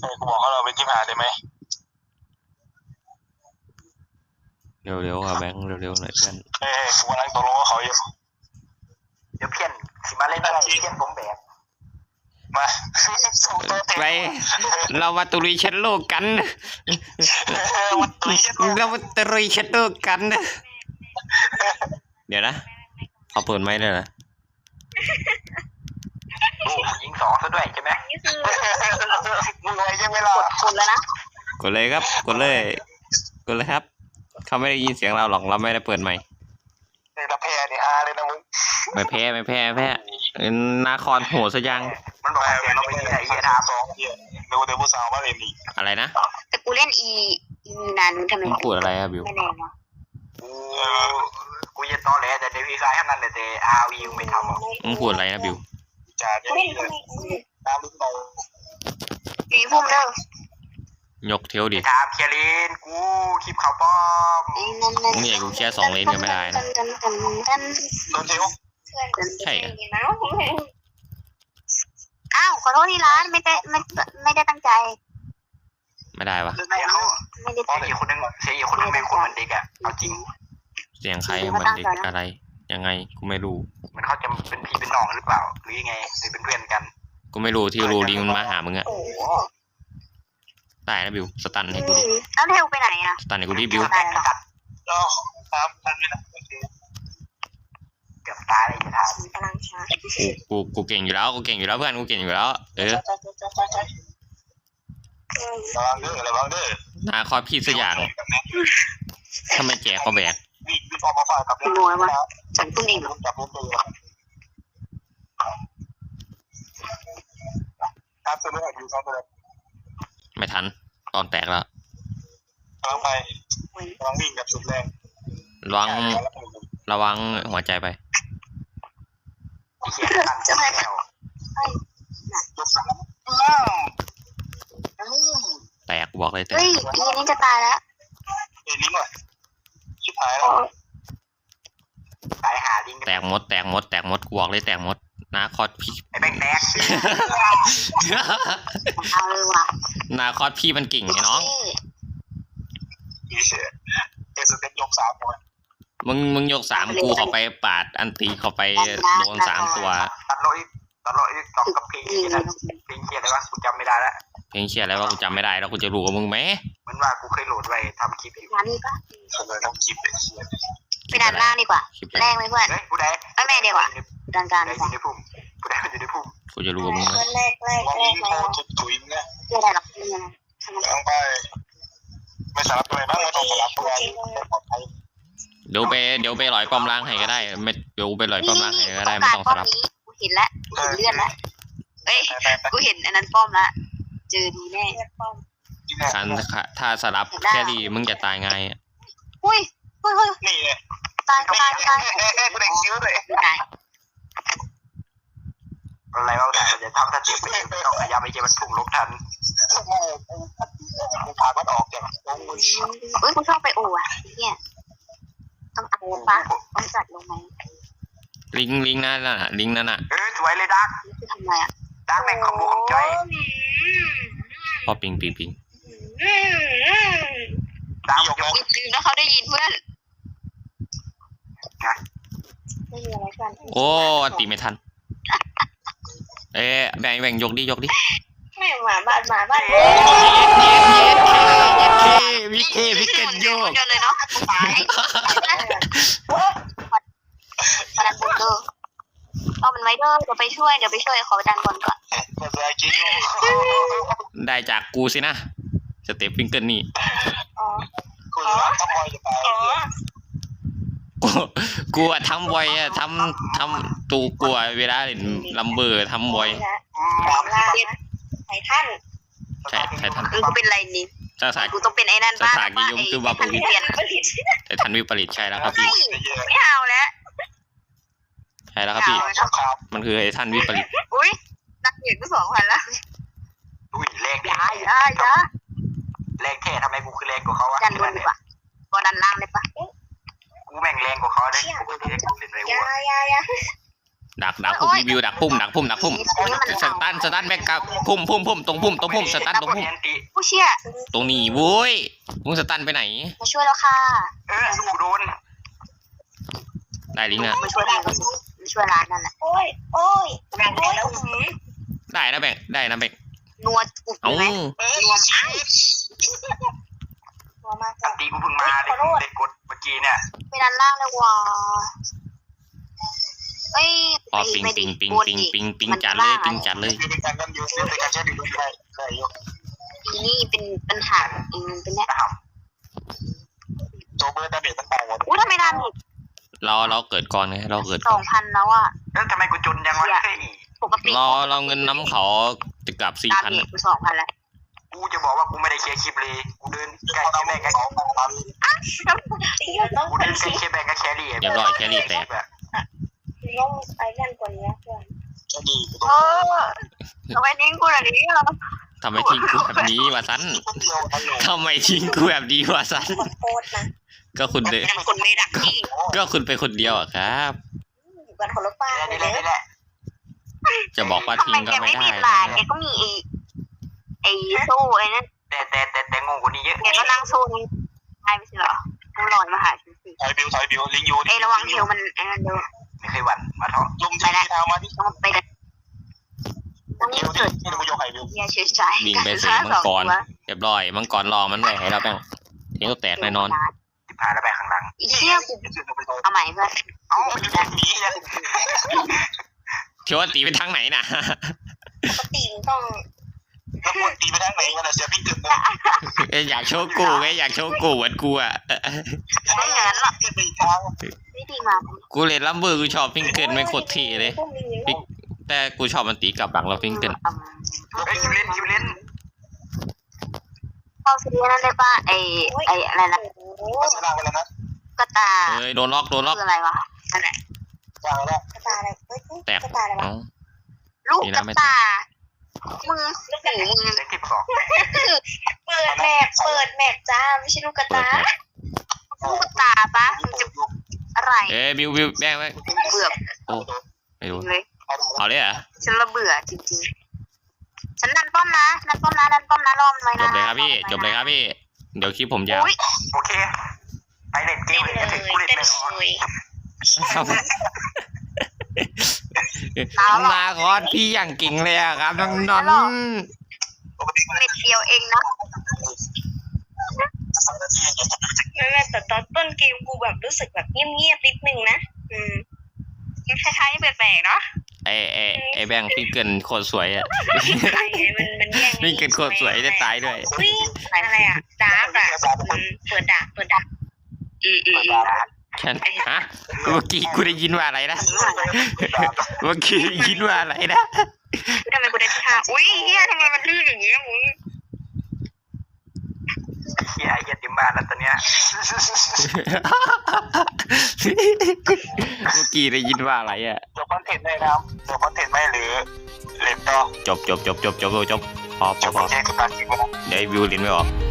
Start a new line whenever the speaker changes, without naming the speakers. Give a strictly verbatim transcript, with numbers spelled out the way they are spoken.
เออกูบอกเขาเราเป็นที่ผ่านได้ไหม
เร็วๆอ่ะแบงค์เร็วๆหน่อยเพื่อน
เออกูกำลังตกลงกับเขาอยู่
เดี๋ยวเพี้ยนสิมาเล่นอะไรเพี้ยนผมแบบ
มาส่งตัวเต็ม
ไปเรามาตุรีเชนโลกกัน
วันตุยเช็ด
เรามาตุรีเชนโลกกันเดี๋ยวนะเขาเปิดไหมเลยนะ
โอ้ยิงสองซะด้วยใช่ไหม
นี่คือ
มึงไงยังไม่รอก
ดกดแล้วนะ
กดเลยครับกดเลยกดเลยครับเขาไม่ได้ยินเสียงเราหรอกเราไม่ได้เปิดไมค์
ในตะแพนี่ฮาเลยนะมึง
ไม่แพ้ไม่แพ้ไม่แพ้นาครโหดซะยัง
มันบอกเสียงเราไปที่ไหนเฮียทาม
สองเฮียดูเดี๋ยวผู้สาวมาเรียนอีก
อะไรนะ
แต่กูเล่นอีอีมีนานุทำไม
มึงพูดอะไรอะบิว
ไม่แรงวะ
กูกูจะตอแหลแต่ในพีคายเท่านั้นเลยแต่อาร์วีไม่ทำหรอก
มึงพูดอะไรนะบิว
จ่าเนี่ยเลยตามลูกเรา
มีพุ่มเด้อย
กเที่ยวดิ
ถามเคียรินกูคลิปเขาป้อม
ไอ้นั่นนั่น
มึงอยากกูแค่สองเลนก็ไม่ได้นะ
ตันตันตัน
โดนเทว
ใช่อะ
อ้าวขอโทษที่ร้านไม่ได้ไม่ไม่ได้ตั้งใจ
ไม่ได้ปะ
เสียเขา
ไม่ได้
เสี
ตั้
ย
งใจ
อีกคนนึงเสียอีกคนนึงเป็นคนเหมือนเด็กอะเอาจริง
เสียงใครมันเด็กอะไร ยังไงกูไม่รู้
มันเขาจะเป็นพี่เป็นน้องหรือเปล่าหรือยังไงหรือเป็นเพื่อนกัน
กูไม่รู้ที่รู้ลิงมันมาหามึงอะ
โอ้โห
ตายนะบิวสตันให้กูดิ
แล้วเทลไปไหนอ่ะ
สตันให้กูดิบิว
ตายแล้ว
ก็ตามทันเลยนะโอเค
เกือบตายเลยจะถาม
กำลังช้า
กูกูกูเก่งอยู่แล้วกูเก่งอยู่แล้วเพื่อนกูเก่งอยู่แล้วเออ
ระวังเด้อระวังเด้อ
นาครพี่สักอย่างทำไมแจกเขาแบก
วิ่งวิ่งออกมาฝ่ากับ
ขโมยมาฉันตุ้งเองเหรอ
จับลูกตัวครับตัวนี้อยู่ครับตัวนี้
ไม่ทันตอนแตกแล้ว
กำลังไปกำลังวิ่งกับสุดแรง
ระวังระวังหัวใจไป
เขียนกันจะไม่แล้ว
ยกสาม
แตกบอกเลยแตก
เฮ้ยอีนี่จะตายแล้ว
เอ้ยลิงว่ะชิบหายแล้ว
ตายหาลิง
แตกหมดแตกหมดแตกหมดกูบอกเลยแตกหมดนาครพี่
ไอ้แบงแตก
เอาเลยว่ะ
นาครพี่มันเก่งไงน้อง
อีเสียเอสเต็ปยกสามคน
มึงมึงยกสามกูเข้าไปปาดอันตีเข้าไปโดนสามตัว
ตัดโลอีตัดโลอีตอบกับเพลง
นี่
ที่
เล
นั่
ย
นเพลงเขียนอะไรวะกูจำไม่ได้แล้ว
เพลงเชียร์อะไรวะกูจำไม่ได้แล้วกูจะรู้กับมึงไหม
เหมือนว่ากูเคยโหลดไว้ทำคลิปอยู่
งานนี้ปะ
ผมเลยต้องคิดเลยเชียร์
ไปดันล่างดีกว่า
คลิป
แรงไหมเพื่อน
เฮ้ยผู้ใด
ไม่แม่ดีกว่าดันกลาง
ผู้ใด
ดี
อก
ว่า
ยู่ในพุ่มผู้ใดอยู่ในพุ่ม
กูจะรู้กับมึงไหม
แรกแรก
วัน
แร
นี้
ก
เขา
แล้ว
ทุบถุยเนี่ย
ไม่ได้หรอกไม่ได้ทำไม
กำลังไปไม่สลับตัวไหนบ้างไม่ต้องสลับตัวปลอดภัย
เดี๋ยวไปเดี๋ยวไปลอยป้อมล่างให้ก็ได้ไม่เดี๋ยวไปลอยป้อมล่างให้ก็ได้ไม่ต้องสลับ
นี้กูเห็นแล้วกูเห็นเลือดแล้วเอ้ย
ไปไป
กูเห็นอันนั้นป้อมละเจอดีแน่
การถ้าสลับแค่ดีมึงจะตายง่ายอะ
อุ้ยเฮ้ยเฮ้ย
นี่เนี่ย
ตายตายตาย
เอ๊ะเอ๊ะกูได้คิ้วเลย
ไม่ตาย
อะไรวะแต่จะทำสเต็ปไปไม่ต้องพยายามไปเจอมันพุ่งลบทัน
ไม่กูพามันออกจากวงมือ
เฮ้ยกูชอบไปโอ้อะเนี่ยต้องเอาปะต้องจัดลงไหม
ลิงลิงนั่นน่ะลิงนั่นน่ะ
เออสวยเลยดัก
นี่คือทำไงอะ
ดักแม่งคอมโบของจอย
พอปิงปิงปิง
ดัก
ยก
ย
นะ
ก
ลืมแล้วเขาได้ยินเพื่อนไม่มีอะไรกัน
โอ้ตีไม่ทันเอ๊ะแบ่งแบ่งยกดิยกดิ
ไม่หมาบ้านหมาบ้าน
เย็ดเย็ดเย็ดวิเควิเคโยก
เดียวเลยเนาะตายมาดันบนเด้อเอามันไว้เด้อเดี๋ยวไปช่วยเดี๋ยวไปช่วยขอไปดันบนก่อน
ภาษาคิ้ว
ได้จากกูสินะสเต็ปฟิงเกิลนี่
อ๋อ
กูจะทำไมจะตาย
กูกูอะทำบ่อยอะทำทำตูกลัวเวลาเล่นลัมเบอร์ทำบ่อย
แปลงร่างนะไททัน
ใช่ไททัน
เออกูเป็นไรนี่
ภาษา
กูต้องเป็นไอ้นั่นบ้าง
สถานกิยมคือว่า
ไอ้เปลี่ยน
ไททันวิปริตใช่แล้วครับพี่
ไม่เอาแล้ว
ใช่แล้วครับพี่
สงคราม
มันคือไททันวิปริต
อุ้ยนักเรียนก็สองพันละ
อุ้ยแรง
อย่าอย่าอย่า
แรงแท้ทำไมกูคือแรงกว่าเขาวะ
ดันบนดีกว่าก็ดันล่างเลยปะ
กูแม่งแรงกว่าเขาเลยกูไม่ได้กูเล่นไร
อย่าว
ะ
อย่าอย่า
ดักดักพุ่มรีวิวดักพุ่มดักพุ่มดักพุ่ม
นี่มัน
สตันสตันแบ็กกับพุ่มพุ่มพุ่มตรงพุ่มตรงพุ่มสตันตรงพุ่ม
แอนติ
ผู้เชี่ย
ตรงนี้โว้ยมึงสตันไปไหน
มาช่วยแล้วค่ะ
เออลูกโดน
ได้ลิงก์อะ
มาช่วยร้านก็สิมาช่วยร้านนั่นแหละ
โอ้ยโอ้ยแบ่งไปแล้วหืม
ได้นะแบงได้นะแบง
นัวอุบ
เอ้า
ไหมนัว
หัวมาก
อันตีกูเพิ่งมาเลยเด็กกดเมื่อกี้เนี่ย
ไปด้านล่างเลยว่ะเอ้ย
อ๋อปิงปิงปิงปิงปิงปิงจัดเลยปิงจัดเลย
เป็นการกันยูเป็นการใช้ดีด้วยได้ได้ยก
อีนี่เป็นปัญหาอืมเป็นเนี่ย
นะครับ
โจเบอร์ดาเมจมันต่างหมด
อุ้ยทำไมดาเมจ
เราเราเกิดก่อนไงเราเกิด
ส
ก่
อ
อง น
พันแล้วอ่ะ
แล้วทำไมกูจนยังวะเฮ้ย
ปกติ
เราเราเงินน้ำเขาจะกลับสี่
ดา
พัน
เมจกูสองพันแล้ว
กูจะบอกว่ากูไม่ได้เคลียร์คลิปเลยกูเดินใกล้แค่แบงกับ
สองพัน
ตีเราต้อง
กูเดินใกล้แค่แบงกับแครี่
เรียบร้อยแครี่แตก
ต้องไอ้นั่นกว่านี้เพื่อน
จะดี
เออทำไมทิ้งกูแบบนี้อ่ะ
ทำไมทิ้งกูแบบนี้วะสัน
คนเดียวกันอยู่
ทำไมทิ้งกูแบบนี้วะสัน
ขอโทษนะ
ก็คุณเด
เป็นคนไม่ดักที่
ก็คุณเป็นคนเดียวอะครับ
อยู่กันคนละฟ้า
นี่
เล
แหละ
ย
นี่แหละ
จะบอกว่า
ทำ
ทิ้
ไม
งก็
แก
ไม่
ไม่
ได้
มีหลานแกก็มีไอ้ไอ้โซ่ไอ้นั่น
แต่แต่แต่แต่งงกว่านี้เยอะ
แกก็นั่งโซ่นี่ใช่ไม่ใช่เหรอกูลอยมาหาฉันสิ
ถอยบิวถอยบิวลิงยู
ไอ้ระวังเทวมันไอ้นั่นเด้อ
ไม่เคยหวั่นมาท้อง
ลุมที่เท้ามาที่
ต้องไปเลยต้อง
เอว
เกิด
ที่ดูโยกไข่บิว
เฮียเฉยใจ
วิ่งไปเสกมังกรเรียบร้อยมังกรรอมันไว้ให้เราแป้งทิ้งตัวแตกแน่นอน
สิบห้าแล้วไปข้างหลัง
อีเชี่ยกูเอาใหม่เพื่อน
เอ้ามันอยู่ตรงนี้
เที่ยวตีไปทางไหนน่ะ
ปกติต้อง
แล้วควรตีไปทางไหนกันนะเสียพี่เกิดเลย
เอ้ยอยากโชว์กูไงอยากโชว์กูเหมือนกูอ่ะ
ไม่อย่างนั้นหรอก
เกิดไปอีกทาง
ไม่ดีมา
กูเล่นลัมเบอร์กูชอบพิงเกิลไม่โคตรเท่เลย
พวกนี้
แต่กูชอบมันตีกลับหลังเราพิงเกิล
เฮ้ยคิวเล่นคิวเล่น
เอาซีนั่นได้ป่ะไอ้ไอ้อะไรนะ
โอ้โห
ชนะไปแล้วนะ
กระตา
เอ้ยโดนล็อกโดนล็อก
คืออะไรวะนั่นแหละ
จางแล้ว
กระตาอะไรเฮ้ย
แตก
กระตาอะไรวะ
เอ้า
ลูกกระตามึงหูมึง
เล็กที่สอง
เปิดแมปเปิดแมปจ้าไม่ใช่ลูกกระ
เปิด
ตา
แมป
ลูกกระตาปะมึงจะอะไร
เอ้ยบิวบิวแบงไว้
เบื่อ
โอ้ไม่รู้
เลย
เอาเลยเหรอ่ะ
ฉันระเบื่อจริงๆฉันดันป้อมนะดันป้อมนะดันป้อมนะรอมไว้
จ
นะ
บเลยครับพี่จบเลยครับพี่ เดี๋ยวคลิปผมยาว
อุ้ย
โอเคไปเล่นเก
เต้
ม
น
เลย
เล
ถึง
ย
กูเล่น
เต้น
ไม่ออก
เลย
มาคอสพี่อย่างเก่งเลยอะครับน้องนอน
เม็ดเดียวเองนะ
ไม่ไม่แต่ตอนต้นเกมกูแบบรู้สึกแบบเงียบๆนิดนึงนะอืม
คล้ายๆแปลกๆเนาะ
ไอไอไอแบงค์พิงเกิลโคตรสวยอ่ะ
ใช่ไงมันมันแย่ง
พิงเกิลโคตรสวยได้ตายด้วย
อุ้ยอะไรอ่ะดาร์กอ่ะอืมเปิดดาร์กเปิดดาร์ก
อืมอืม
แค่ฮะเมื่อกี้กูได้ยินว่าอะไรนะเมื่อกี้ได้ยินว่าอะไรนะ
ทำไมกูได้ที่ห้าอุ้ยเฮียทำไมมันลื่นอย่างเงี้ยมึง
เฮียไอ้เหี้ยติมบ้านแล้วตอนเนี้ย
เมื่อกี้ได้ยินว่าอะไรอ่ะ
จบคอนเทนต์ได้นะครับจบคอนเทนต์ไหมหรือเล็บต่อ
จบจบจบจบจบจบพอพ
จ
อบ พอ
แค่สุดท้ายจริงๆนะ
เดี๋ยววิวลิ้นไม่ออก